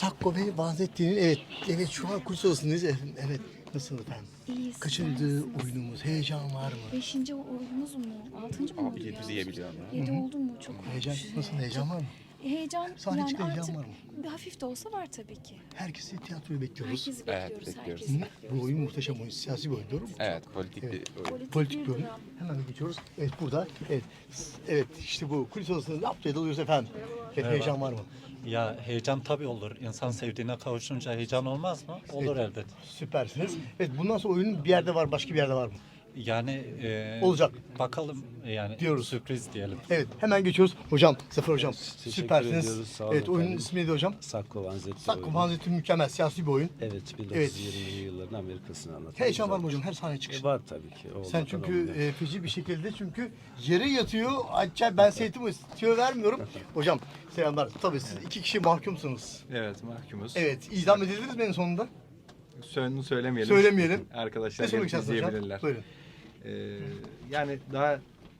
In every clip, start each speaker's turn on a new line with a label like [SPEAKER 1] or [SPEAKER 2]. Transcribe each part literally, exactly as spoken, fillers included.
[SPEAKER 1] Sakko ve Vanzetti'nin evet evet şu an kurs odasındayız efendim. Evet. Nasıl efendim?
[SPEAKER 2] İyiyiz.
[SPEAKER 1] Kaçıncı oyunumuz? Heyecan var mı?
[SPEAKER 2] Beşinci oyunumuz mu? Altıncı mı oldu
[SPEAKER 3] Abi
[SPEAKER 2] ya?
[SPEAKER 3] bizi yiyebiliyor ama.
[SPEAKER 2] Yedi oldu mu? Çok
[SPEAKER 1] Heyecan
[SPEAKER 2] olmuş.
[SPEAKER 1] nasıl? Heyecan var mı?
[SPEAKER 2] Heyecan
[SPEAKER 1] Sahne
[SPEAKER 2] yani
[SPEAKER 1] çıkınca heyecan
[SPEAKER 2] artık
[SPEAKER 1] var mı?
[SPEAKER 2] bir hafif de olsa var tabii ki.
[SPEAKER 1] Herkesi tiyatroyu bekliyoruz.
[SPEAKER 2] Herkesi
[SPEAKER 3] Evet,
[SPEAKER 2] bekliyoruz.
[SPEAKER 3] bekliyoruz.
[SPEAKER 2] Herkesi
[SPEAKER 1] Hı?
[SPEAKER 2] bekliyoruz.
[SPEAKER 1] Bu oyun muhteşem oyun. Siyasi bir oyun doğru mu?
[SPEAKER 3] Evet, politik
[SPEAKER 1] Evet.
[SPEAKER 3] bir oyun.
[SPEAKER 2] Politik,
[SPEAKER 1] Politik bir
[SPEAKER 2] bir
[SPEAKER 1] oyun.
[SPEAKER 2] dram.
[SPEAKER 1] Hemen geçiyoruz. Evet burada. Evet. Evet işte bu kulis odasında yaptığı dalıyoruz efendim. Evet, heyecan var mı?
[SPEAKER 4] Ya heyecan tabii olur. İnsan sevdiğine kavuşunca heyecan olmaz mı? Olur
[SPEAKER 1] Evet.
[SPEAKER 4] elbet.
[SPEAKER 1] Süpersiniz. Evet bundan sonra oyunun bir yerde var, başka bir yerde var mı?
[SPEAKER 4] Yani e,
[SPEAKER 1] Olacak.
[SPEAKER 4] Bakalım yani
[SPEAKER 1] Diyoruz.
[SPEAKER 4] sürpriz diyelim.
[SPEAKER 1] Evet hemen geçiyoruz. Hocam, Zafer hocam
[SPEAKER 5] Teşekkür
[SPEAKER 1] süpersiniz.
[SPEAKER 5] ediyoruz, sağ olun
[SPEAKER 1] Evet oyunun
[SPEAKER 5] efendim.
[SPEAKER 1] ismi neydi hocam?
[SPEAKER 5] Sakko Vanzetti
[SPEAKER 1] Sakko
[SPEAKER 5] oyunu.
[SPEAKER 1] Vanzetti mükemmel siyasi bir oyun.
[SPEAKER 5] Evet, bin dokuz yüz yirmili yılların Amerika'sını anlatan.
[SPEAKER 1] Heyecan var
[SPEAKER 5] güzel.
[SPEAKER 1] mı hocam her sahne çıkışı?
[SPEAKER 5] E, var tabii ki.
[SPEAKER 1] Sen
[SPEAKER 5] Olmadan
[SPEAKER 1] çünkü
[SPEAKER 5] olmuyor.
[SPEAKER 1] e, feci bir şekilde çünkü yere yatıyor. Acayip ben seyretimi tüyo vermiyorum. Hocam selamlar. Tabii siz iki kişi mahkumsunuz.
[SPEAKER 6] Evet, mahkumuz.
[SPEAKER 1] Evet idam edildiniz mi en sonunda?
[SPEAKER 6] Sönünü söylemeyelim.
[SPEAKER 1] Söylemeyelim.
[SPEAKER 6] Arkadaşlar
[SPEAKER 1] Ne söylemek
[SPEAKER 6] gelip
[SPEAKER 1] istersiniz hocam?
[SPEAKER 6] izleyebilirler.
[SPEAKER 1] Buyurun.
[SPEAKER 6] Ee, yani daha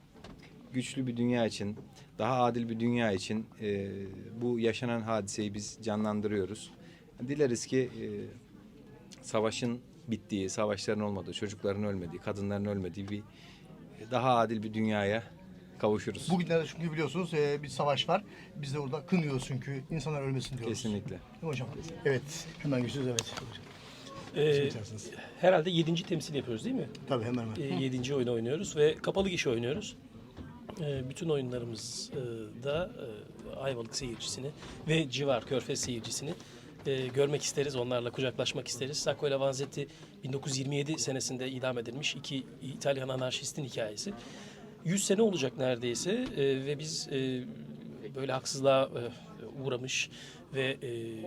[SPEAKER 6] güçlü bir dünya için, daha adil bir dünya için e, bu yaşanan hadiseyi biz canlandırıyoruz. Dileriz ki e, savaşın bittiği, savaşların olmadığı, çocukların ölmediği, kadınların ölmediği bir daha adil bir dünyaya kavuşuruz.
[SPEAKER 1] Bugünlerde çünkü biliyorsunuz e, bir savaş var. Biz de orada kınıyoruz çünkü insanlar ölmesin diyoruz.
[SPEAKER 6] Kesinlikle.
[SPEAKER 1] Değil mi hocam? Evet. Hemen geçiyoruz evet.
[SPEAKER 7] Ee,
[SPEAKER 1] Şey içerisiniz.
[SPEAKER 7] herhalde yedinci temsil yapıyoruz değil mi?
[SPEAKER 1] Tabii hemen hemen.
[SPEAKER 7] Ee, yedinci oyunu oynuyoruz ve kapalı gişe oynuyoruz. Ee, bütün oyunlarımızda e, Ayvalık seyircisini ve civar Körfez seyircisini e, görmek isteriz. Onlarla kucaklaşmak isteriz. Sacco ile Vanzetti bin dokuz yüz yirmi yedi senesinde idam edilmiş iki İtalyan anarşistin hikayesi. yüz sene olacak neredeyse e, ve biz e, böyle haksızlığa e, uğramış ve e,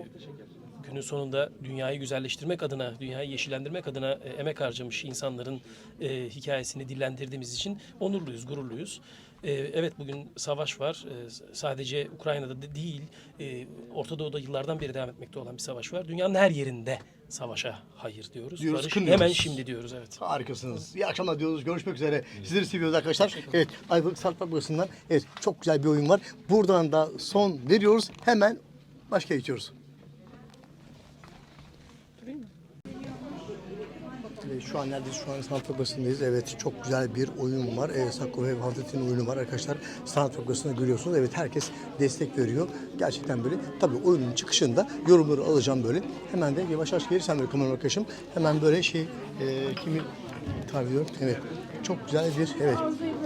[SPEAKER 7] günün sonunda dünyayı güzelleştirmek adına, dünyayı yeşillendirmek adına e, emek harcamış insanların e, hikayesini dillendirdiğimiz için onurluyuz, gururluyuz. E, evet bugün savaş var. E, sadece Ukrayna'da da değil, e, Orta Doğu'da yıllardan beri devam etmekte olan bir savaş var. Dünyanın her yerinde savaşa hayır diyoruz.
[SPEAKER 1] Diyoruz,
[SPEAKER 7] Barış
[SPEAKER 1] kınıyoruz.
[SPEAKER 7] hemen şimdi diyoruz evet.
[SPEAKER 1] Harikasınız. İyi akşamlar diyoruz. Görüşmek üzere. Sizleri seviyoruz arkadaşlar. Evet, Ayvalık Sanat Fabrikası'ndan evet çok güzel bir oyun var. Buradan da son veriyoruz. Hemen başka geçiyoruz. Evet, şu an neredeyiz? Şu an Sanat Fabrikası'ndayız. Evet, çok güzel bir oyun var. Evet, Sakko ve Vanzetti'nin oyunu var arkadaşlar. Sanat Fabrikası'nda görüyorsunuz. Evet, herkes destek veriyor. Gerçekten böyle. Tabii oyunun çıkışında yorumları alacağım böyle. Hemen de yavaş yavaş gelirsen böyle kamera arkadaşım. Hemen böyle şey, e, kimi tabii diyorum. Evet, çok güzel bir, evet.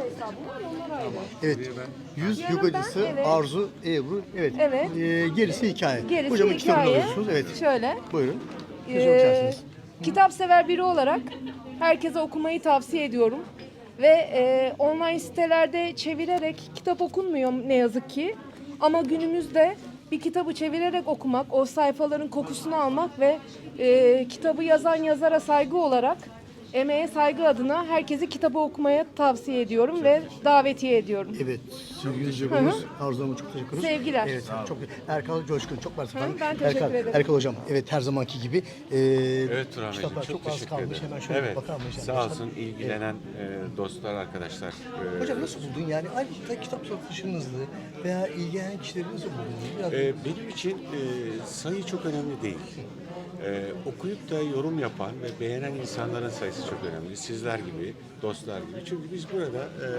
[SPEAKER 1] Evet, yüz yogacısı
[SPEAKER 8] evet.
[SPEAKER 1] Arzu Ebru. Evet,
[SPEAKER 8] Evet.
[SPEAKER 1] E, gerisi hikaye.
[SPEAKER 8] Gerisi
[SPEAKER 1] Hocamın kitabını
[SPEAKER 8] hikaye.
[SPEAKER 1] alıyorsunuz. Evet,
[SPEAKER 8] Şöyle,
[SPEAKER 1] buyurun. Siz
[SPEAKER 8] Ee,
[SPEAKER 1] okuyarsınız.
[SPEAKER 8] kitap sever biri olarak herkese okumayı tavsiye ediyorum. Ve e, online sitelerde çevirerek kitap okunmuyor ne yazık ki. Ama günümüzde bir kitabı çevirerek okumak, o sayfaların kokusunu almak ve e, kitabı yazan yazara saygı olarak, emeğe saygı adına herkesi kitabı okumaya tavsiye ediyorum ve davetiye ediyorum.
[SPEAKER 1] Evet, sevgili izleyicilerimiz, Arzu Hanım'a çok teşekkür ederiz.
[SPEAKER 8] Sevgiler.
[SPEAKER 1] Evet, çok Erkal Coşkun, çok mersi efendim.
[SPEAKER 8] ben teşekkür
[SPEAKER 1] Erkal,
[SPEAKER 8] ederim.
[SPEAKER 1] Erkal Hocam, evet her zamanki gibi. E,
[SPEAKER 3] Evet Turan Beyciğim,
[SPEAKER 1] kitaplar
[SPEAKER 3] çok,
[SPEAKER 1] çok az
[SPEAKER 3] teşekkür
[SPEAKER 1] kalmış.
[SPEAKER 3] ederim.
[SPEAKER 1] Hemen şöyle
[SPEAKER 3] evet,
[SPEAKER 1] bir bakar mıyız?
[SPEAKER 3] sağ
[SPEAKER 1] arkadaşlar?
[SPEAKER 3] olsun ilgilenen e, dostlar, arkadaşlar. E,
[SPEAKER 1] Hocam nasıl buldun yani? Ayrıca kitap satışınızı veya ilgilenen kişileri nasıl buldunuz? Biraz
[SPEAKER 3] e, benim için e, sayı çok önemli değil. E, okuyup da yorum yapan ve beğenen insanların sayısı çok önemli. Sizler gibi, dostlar gibi. Çünkü biz burada e,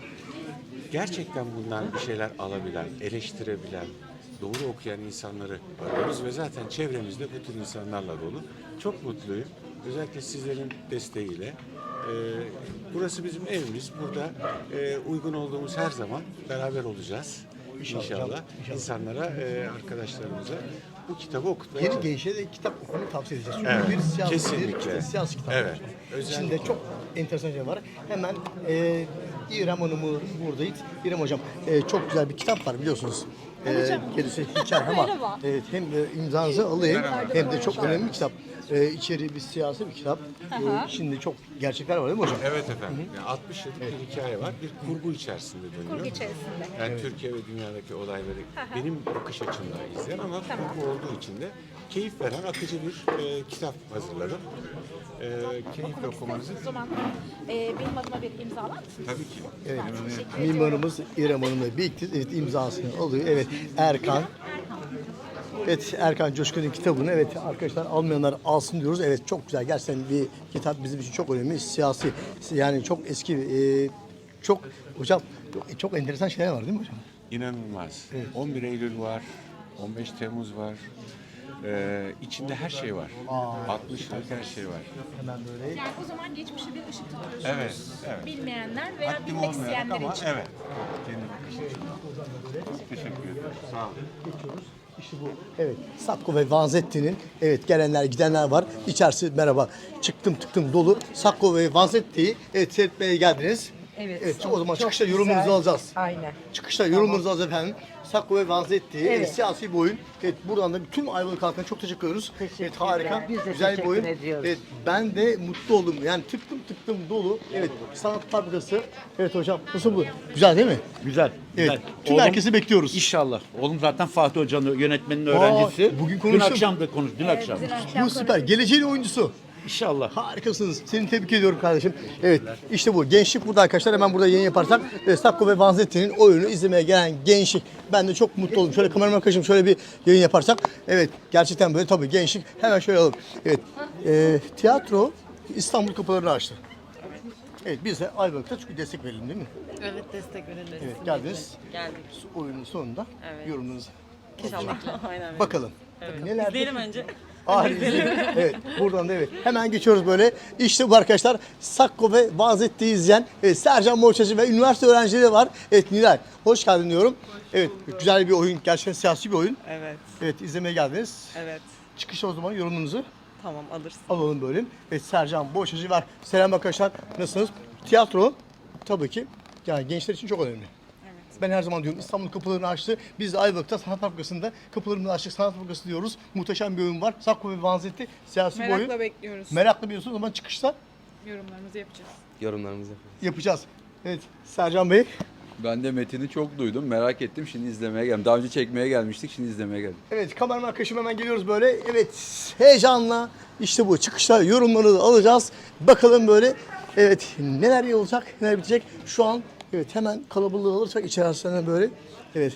[SPEAKER 3] gerçekten bundan bir şeyler alabilen, eleştirebilen, doğru okuyan insanları arıyoruz ve zaten çevremizde bu tür insanlarla dolu. Çok mutluyum. Özellikle sizlerin desteğiyle. Ee, burası bizim evimiz. Burada e, uygun olduğumuz her zaman beraber olacağız.
[SPEAKER 1] İnşallah,
[SPEAKER 3] İnşallah.
[SPEAKER 1] inşallah.
[SPEAKER 3] İnsanlara, e, arkadaşlarımıza bu kitabı okutmaya
[SPEAKER 1] yeni
[SPEAKER 3] çalışacağız.
[SPEAKER 1] gençlere de kitap okumayı tavsiye edeceğiz. Çünkü
[SPEAKER 3] Evet,
[SPEAKER 1] bir siyasi,
[SPEAKER 3] kesinlikle.
[SPEAKER 1] bir siyasi kitap.
[SPEAKER 3] Evet,
[SPEAKER 1] İçinde
[SPEAKER 3] özellikle.
[SPEAKER 1] çok enteresan şey var. Hemen e, İrem Hanım'ı buradayız. İrem Hocam, e, çok güzel bir kitap var biliyorsunuz. E, gerisi hikaye ama evet, hem e, imzanızı alayım hem de çok önemli bir kitap. E, içeri bir siyasi bir kitap. E, içinde çok gerçekler var değil mi hocam?
[SPEAKER 3] Evet efendim. Yani altmış yıllık bir hikaye var. Bir kurgu içerisinde dönüyor.
[SPEAKER 9] Kurgu içerisinde.
[SPEAKER 3] Yani Türkiye ve dünyadaki olayları benim bakış açımla izleyen ama kurgu olduğu için de keyif veren akıcı bir e, kitap hazırladım. E, keyifle okumanızı.
[SPEAKER 9] O zaman e, benim adıma bir imzalar mısınız?
[SPEAKER 3] Tabii ki.
[SPEAKER 1] Evet.
[SPEAKER 9] Teşekkür ediyorum.
[SPEAKER 1] Mimarımız İrem Hanım'la birlikte evet, imzasını alıyor. Evet, Erkan. Evet, Erkan Coşkun'un kitabını evet arkadaşlar almayanlar alsın diyoruz. Evet, çok güzel. Gerçekten bir kitap bizim için çok önemli. Siyasi, yani çok eski, e, çok hocam çok, çok enteresan şeyler var değil mi hocam?
[SPEAKER 3] İnanılmaz. on bir Eylül var, on beş Temmuz var. Ee, içinde her şey var. altmış yıllık her şey var.
[SPEAKER 1] Hemen böyle.
[SPEAKER 9] Yani o zaman geçmişe bir ışık tutuyorsunuz.
[SPEAKER 3] Evet, evet.
[SPEAKER 9] Bilmeyenler veya
[SPEAKER 3] Haddim
[SPEAKER 9] bilmek
[SPEAKER 3] olmayarak
[SPEAKER 9] isteyenler
[SPEAKER 3] ama
[SPEAKER 9] için.
[SPEAKER 3] evet. Çok teşekkür ederim. Sağ olun.
[SPEAKER 1] Geçiyoruz. İşte bu. Evet. Sacco ve Vanzetti'nin evet gelenler gidenler var. İçerisi merhaba. Çıktım tıktım dolu. Sacco ve Vanzetti'yi evet seyretmeye geldiniz.
[SPEAKER 8] Evet.
[SPEAKER 1] Evet. O zaman
[SPEAKER 8] Çok
[SPEAKER 1] çıkışta
[SPEAKER 8] güzel.
[SPEAKER 1] yorumunuzu alacağız.
[SPEAKER 8] Aynen.
[SPEAKER 1] Çıkışta yorumunuzu alacağız efendim. Sacco ve Vanzetti
[SPEAKER 8] Evet.
[SPEAKER 1] evet. siyasi bir oyun. Evet, buradan da bütün Ayvalık halkına çok teşekkür ediyoruz. Evet, harika.
[SPEAKER 10] Biz de
[SPEAKER 1] Güzel bir
[SPEAKER 10] teşekkür
[SPEAKER 1] oyun.
[SPEAKER 10] ediyoruz.
[SPEAKER 1] Evet, ben de mutlu oldum. Yani tıktım tıktım dolu. Evet, sanat fabrikası. Evet hocam, nasıl bu? Güzel değil mi?
[SPEAKER 11] Güzel.
[SPEAKER 1] Evet.
[SPEAKER 11] güzel.
[SPEAKER 1] Tüm
[SPEAKER 11] Oğlum,
[SPEAKER 1] herkesi bekliyoruz.
[SPEAKER 11] İnşallah. Oğlum zaten Fatih Hoca'nın yönetmenin öğrencisi.
[SPEAKER 1] bugün
[SPEAKER 11] Dün
[SPEAKER 1] konuştum.
[SPEAKER 11] akşam da konuş. Dün akşam.
[SPEAKER 1] Bu süper. Geleceğin oyuncusu.
[SPEAKER 11] İnşallah.
[SPEAKER 1] Harikasınız. Seni tebrik ediyorum kardeşim. Evet, işte bu. Gençlik burada arkadaşlar. Hemen burada yayın yaparsak. Evet, Sacco ve Vanzetti'nin oyunu izlemeye gelen gençlik. Ben de çok mutlu oldum. Şöyle kameraman arkadaşım şöyle bir yayın yaparsak. Evet, gerçekten böyle tabii gençlik. Hemen şöyle alalım. Evet, e, tiyatro İstanbul kapılarını açtı. Evet, biz de Ayvalık'ta çünkü destek verelim değil mi?
[SPEAKER 10] Evet, destek verelim.
[SPEAKER 1] Evet, geldiniz.
[SPEAKER 10] Geldik.
[SPEAKER 1] Oyunun sonunda
[SPEAKER 10] Evet.
[SPEAKER 1] yorumlarınızı
[SPEAKER 10] İnşallah. Aynen.
[SPEAKER 1] bakalım. Tabii neler
[SPEAKER 10] İzleyelim önce.
[SPEAKER 1] Ah, izleyelim. Evet, buradan da evet. Hemen geçiyoruz böyle. İşte bu arkadaşlar Sacco ve Vanzetti'yi izleyen evet, Sercan Borçacı ve üniversite öğrencileri var. Evet Nilay, hoş geldin diyorum. Evet, güzel bir oyun, gerçekten siyasi bir oyun.
[SPEAKER 10] Evet.
[SPEAKER 1] Evet, izlemeye geldiniz.
[SPEAKER 10] Evet.
[SPEAKER 1] Çıkışta o zaman yorumunuzu
[SPEAKER 10] Tamam, alırsın.
[SPEAKER 1] alalım böyle. Evet, Sercan Borçacı var. Selam arkadaşlar, nasılsınız? Tiyatro tabii ki yani gençler için çok önemli. Ben her zaman diyorum İstanbul kapılarını açtı. Biz de Ayvalık'ta Sanat Fabrikası'nda kapılarını açtık. Sanat Fabrikası diyoruz. Muhteşem bir oyun var. Sacco ve Vanzetti siyasi bir oyun.
[SPEAKER 8] Merakla bekliyoruz.
[SPEAKER 1] Meraklı biliyorsunuz o zaman çıkışta
[SPEAKER 8] Yorumlarımızı yapacağız.
[SPEAKER 6] Yorumlarımızı
[SPEAKER 1] yapacağız. Evet Sercan Bey.
[SPEAKER 12] Ben de metini çok duydum, merak ettim. Şimdi izlemeye geldim. Daha önce çekmeye gelmiştik, şimdi izlemeye geldim.
[SPEAKER 1] Evet kameraman arkadaşım hemen geliyoruz böyle. Evet heyecanla işte bu çıkışta yorumları da alacağız. Bakalım böyle evet neler iyi olacak, neler bitecek. Şu an evet hemen kalabalığı alırsak içerisine böyle evet.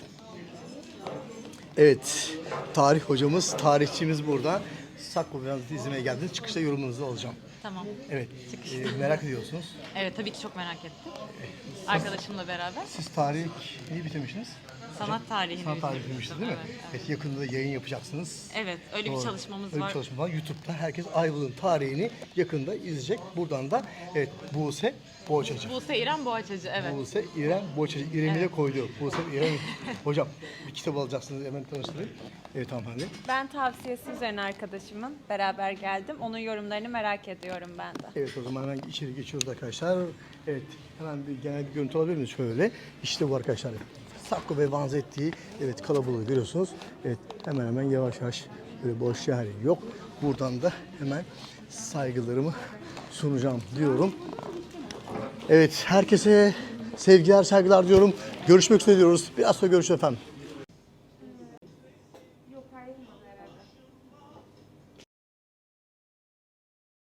[SPEAKER 1] Evet tarih hocamız, tarihçimiz burada. Sacco ve Vanzetti izlemeye geldiniz. Çıkışta yorumunuzu alacağım.
[SPEAKER 10] Tamam.
[SPEAKER 1] Evet e, merak ediyorsunuz.
[SPEAKER 10] Evet, tabii ki çok merak ettim. Arkadaşımla beraber
[SPEAKER 1] Siz tarihi iyi bitirmişsiniz.
[SPEAKER 10] sanat tarihini
[SPEAKER 1] Sanat tarihi
[SPEAKER 10] bitirdim.
[SPEAKER 1] bitirmiştiniz değil mi?
[SPEAKER 10] Evet,
[SPEAKER 1] Evet, yakında da yayın yapacaksınız.
[SPEAKER 10] evet, öyle
[SPEAKER 1] Doğru.
[SPEAKER 10] bir çalışmamız
[SPEAKER 1] Öyle
[SPEAKER 10] var.
[SPEAKER 1] bir çalışma var. YouTube'da herkes Ayvalık'ın tarihini yakında izleyecek. Buradan da evet Buse Boğaçacı.
[SPEAKER 10] Buse İrem Boğaçacı, evet.
[SPEAKER 1] Buse İrem Boğaçacı. İrem'i de koydu. Buse İrem. Hocam bir kitap alacaksınız hemen tanıştırayım. Evet hanımefendi.
[SPEAKER 13] Ben tavsiyesi üzerine arkadaşımın beraber geldim. Onun yorumlarını merak ediyorum ben de.
[SPEAKER 1] Evet o zaman hemen içeri geçiyoruz arkadaşlar. Evet hemen bir genel bir görüntü alabilir miyiz şöyle? İşte bu arkadaşlar. Sacco ve Vanzetti'yi evet kalabalığı görüyorsunuz. Evet hemen hemen yavaş yavaş böyle boş yer yok. Buradan da hemen saygılarımı sunacağım diyorum. Evet herkese sevgiler saygılar diyorum. Görüşmek üzere diyoruz. Biraz sonra görüşürüz efendim.